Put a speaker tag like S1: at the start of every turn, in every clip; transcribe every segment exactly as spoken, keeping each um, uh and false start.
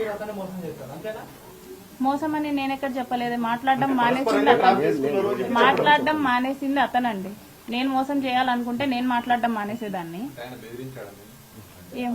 S1: మోసం అని నేను ఎక్కడ చెప్పలేదు. మాట్లాడడం మానేసింది అతను, మాట్లాడడం మానేసింది అతనండి. నేను మోసం చేయాలనుకుంటే నేను మాట్లాడడం మానేసేదాన్ని. ఏం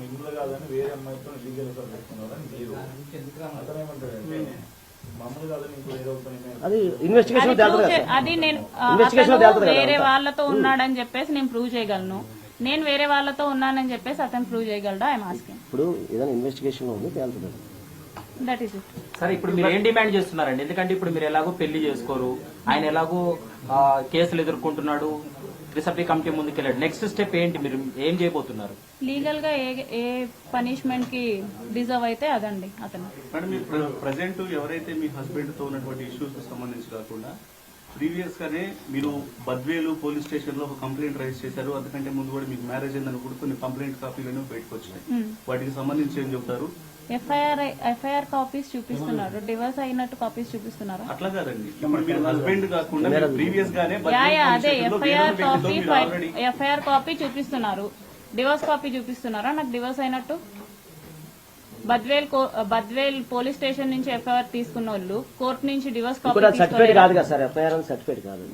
S1: అది నేను వేరే వాళ్ళతో ఉన్నాడని చెప్పేసి నేను ప్రూవ్ చేయగలను. నేను వేరే వాళ్ళతో ఉన్నానని చెప్పేసి అతను ప్రూవ్ చేయగలడా? I'm asking.
S2: ఇప్పుడు ఏదైనా ఇన్వెస్టిగేషన్ ఉంది
S1: దట్ ఈస్ ఇట్.
S3: సరే, ఇప్పుడు మీరు ఏం డిమాండ్ చేస్తున్నారండి? ఎందుకంటే ఇప్పుడు మీరు ఎలాగో పెళ్లి చేసుకోరు, ఆయన ఎలాగో కేసులు ఎదుర్కొంటున్నాడు, రిసప్టీ కమిటీ ముందుకెళ్ళాడు. నెక్స్ట్ స్టెప్ ఏంటి? మీరు ఏం చేయబోతున్నారు?
S1: లీగల్ గా ఏ ఏ పనిష్మెంట్ కి డిజర్వ్ అయితే అదండి అతను.
S4: మేడం, మీరు ప్రజెంట్ ఎవరైతే మీ హస్బెండ్ తో ఉన్నటువంటి ఇష్యూస్ కి సంబంధించి కాకుండా ప్రీవియస్ గానే మీరు బద్వేలు పోలీస్ స్టేషన్ లో ఒక కంప్లైంట్ రైజ్ చేశారు. అందుకంటే ముందు కూడా మీకు మ్యారేజ్ అయిందని కూడా కొన్ని కంప్లైంట్ కాపీలను బయటకు వచ్చినాయి. వాటికి సంబంధించి ఏం చెప్తారు?
S1: ఎఫ్ఐఆర్ ఎఫ్ఐఆర్ కాపీస్ చూపిస్తున్నారు, డివోర్స్ అయినట్టు కాపీస్ చూపిస్తున్నారు.
S4: అట్లా కాదండి, ఇప్పుడు మీరు హస్బెండ్ కాకుండా ప్రీవియస్ గానే
S1: అదే ఎఫ్ఐఆర్ కాపీ ఎఫ్ఐఆర్ కాపీ చూపిస్తున్నారు, డివోర్స్ కాపీ చూపిస్తున్నారా నాకు డివోర్స్ అయినట్టు? బద్వేల్ బద్వేల్ పోలీస్ స్టేషన్ నుంచి ఎఫ్ఐఆర్ తీసుకున్న వాళ్ళు కోర్టు నుంచి డివోర్స్ కాపీ
S2: సర్టిఫికేట్ కాదు కదా సార్, ఎఫ్ఐఆర్ సర్టిఫికేట్ కాదు,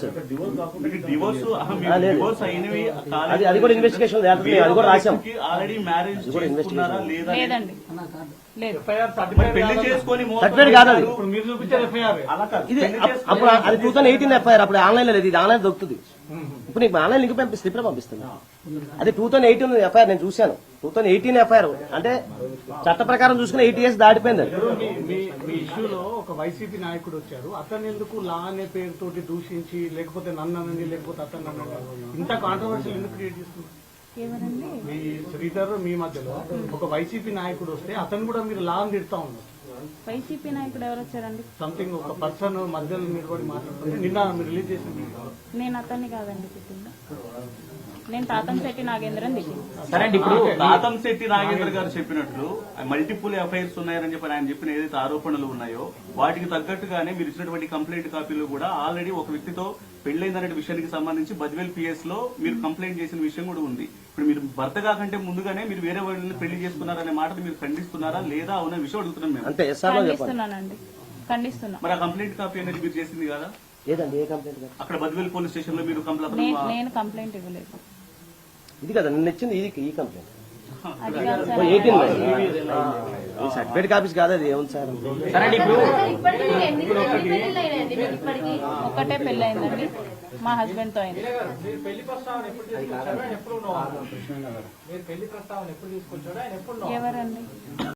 S2: అది కూడా ఇన్వెస్టిగేషన్ అది కూడా రాశాం.
S4: ఆల్రెడీ మ్యారేజ్
S1: లేదండి, లేదు
S2: సర్టిఫికేట్ కాదు అది. ఇది అప్పుడు అది టూ థౌసండ్ ఎయిటీన్ ఎఫ్ఐఆర్, అప్పుడు ఆన్లైన్ లో లేదు, ఇది ఆన్లైన్ దొరుకుతుంది. ఇప్పుడు నీకు ఆన్లైన్ లింక్ పంపిస్తే ఇప్పుడే పంపిస్తుంది. అది టూ థౌసండ్ ఎయిటీన్ ఎఫ్ఐఆర్ నేను చూశాను. టూ థౌసండ్ ఎయిటీన్ ఎఫ్ఐఆర్ అంటే చట్ట ప్రకారం చూసుకుని ఎయిట్ ఇయర్స్ దాటిపోయింది.
S5: మీ ఇష్యూలో ఒక వైసీపీ నాయకుడు వచ్చారు, అతను ఎందుకు లా అనే పేరుతోటి దూషించి లేకపోతే నన్ను అనండి లేకపోతే అతను అనండి ఇంత కాంట్రవర్షియల్ ఎందుకు క్రియేట్ చేస్తున్నారు? మీ శ్రీధర్ మీ మధ్యలో ఒక వైసీపీ నాయకుడు వస్తే అతను కూడా మీరు లా అని తిడతా ఉన్నారు.
S1: వైసీపీ నాయకుడు ఎవరు వచ్చారండి?
S5: సంథింగ్ ఒక పర్సన్ మధ్యలో నిలబడి మాట్లాడుతుంటే నిన్న మీరు రిలీజ్ చేసింది.
S1: నేను అతన్ని కాదండి తిట్టింది, నేను తాతంశెట్టి నాగేంద్రని తిట్టింది.
S4: సరే అండి, ఇప్పుడు తాతంశెట్టి నాగేంద్ర గారు చెప్పినట్లు మల్టిపుల్ ఎఫ్ఐఆర్స్ ఉన్నాయని చెప్పి ఆయన చెప్పిన ఏదైతే ఆరోపణలు ఉన్నాయో వాటికి తగ్గట్టుగానే మీరు ఇచ్చినటువంటి కంప్లైంట్ కాపీలు కూడా ఆల్రెడీ ఒక వ్యక్తితో పెళ్లైందనే విషయానికి సంబంధించి బద్వేల్ పిఎస్ లో మీరు కంప్లైంట్ చేసిన విషయం కూడా ఉంది. ఇప్పుడు మీరు భర్త కాకంటే ముందుగానే మీరు వేరే వాళ్ళని పెళ్లి చేసుకున్నారనే మాటను మీరు ఖండిస్తున్నారా లేదా అవున విషయం అడుగుతున్నాం మేము.
S1: ఖండిస్తున్నానండి, ఖండిస్తున్నా.
S4: మరి ఆ కంప్లైంట్ కాపీ అనేది మీరు చేసింది కదా?
S2: లేదండి, ఏ కంప్లైంట్?
S4: అక్కడ బద్వేల్ పోలీస్ స్టేషన్ లో మీరు కంప్లైంట్
S1: నేను కంప్లైంట్ ఇవ్వలేదు.
S2: ఇది కదా నిన్న ఇచ్చింది, ఇది ఈ కంప్లైంట్
S1: అది కాదు సార్,
S2: ఎయిటీన్ సర్టిఫికేట్ కాపీస్ కాదు, అది ఏముంది సార్?
S1: ఒక్కటే పెళ్లి అయిందండి, మా హస్బెండ్ తో అయింది. ఎవరండి?